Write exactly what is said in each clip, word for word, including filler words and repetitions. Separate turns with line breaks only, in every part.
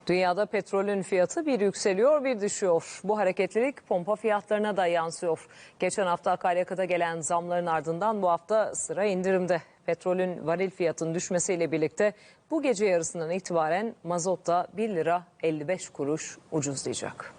Dünyada petrolün fiyatı bir yükseliyor bir düşüyor. Bu hareketlilik pompa fiyatlarına da yansıyor. Geçen hafta akaryakıta gelen zamların ardından bu hafta sıra indirimde. Petrolün varil fiyatının düşmesiyle birlikte bu gece yarısından itibaren mazot da bir lira elli beş kuruş ucuzlayacak.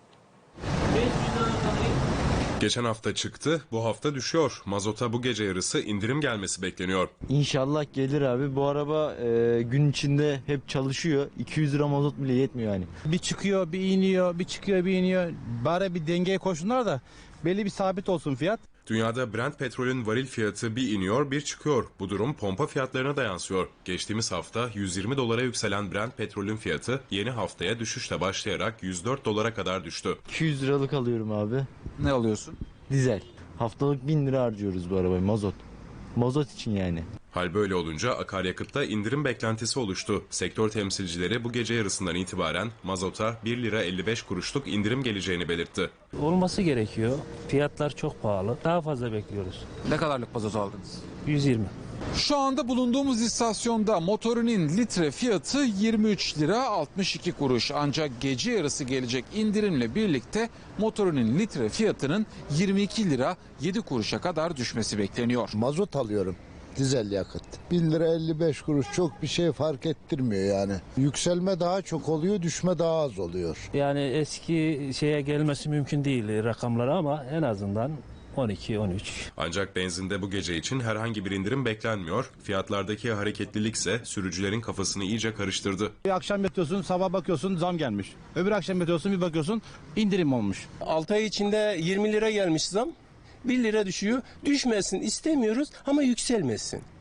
Geçen hafta çıktı, bu hafta düşüyor. Mazota bu gece yarısı indirim gelmesi bekleniyor.
İnşallah gelir abi. Bu araba e, gün içinde hep çalışıyor. iki yüz lira mazot bile yetmiyor yani.
Bir çıkıyor, bir iniyor, bir çıkıyor, bir iniyor. Bari bir dengeye koşsunlar da belli bir sabit olsun fiyat.
Dünyada Brent petrolün varil fiyatı bir iniyor bir çıkıyor. Bu durum pompa fiyatlarına da yansıyor. Geçtiğimiz hafta yüz yirmi dolara yükselen Brent petrolün fiyatı yeni haftaya düşüşle başlayarak yüz dört dolara kadar düştü.
iki yüz liralık alıyorum abi.
Ne alıyorsun?
Dizel. Haftalık bin lira harcıyoruz bu arabaya, mazot. Mazot için yani.
Hal böyle olunca akaryakıtta indirim beklentisi oluştu. Sektör temsilcileri bu gece yarısından itibaren mazota bir lira elli beş kuruşluk indirim geleceğini belirtti.
Olması gerekiyor. Fiyatlar çok pahalı. Daha fazla bekliyoruz.
Ne kadarlık mazot aldınız?
yüz yirmi.
Şu anda bulunduğumuz istasyonda motorinin litre fiyatı yirmi üç lira altmış iki kuruş. Ancak gece yarısı gelecek indirimle birlikte motorinin litre fiyatının yirmi iki lira yedi kuruşa kadar düşmesi bekleniyor.
Mazot alıyorum. Dizel yakıt. bir lira elli beş kuruş çok bir şey fark ettirmiyor yani. Yükselme daha çok oluyor, düşme daha az oluyor.
Yani eski şeye gelmesi mümkün değil rakamlara ama en azından on iki on üç.
Ancak benzinde bu gece için herhangi bir indirim beklenmiyor. Fiyatlardaki hareketlilik ise sürücülerin kafasını iyice karıştırdı.
Bir akşam yatıyorsun, sabah bakıyorsun zam gelmiş. Öbür akşam yatıyorsun, bir bakıyorsun indirim olmuş.
altı ay içinde yirmi lira gelmiş zam. bir lira düşüyor. Düşmesin istemiyoruz ama yükselmesin.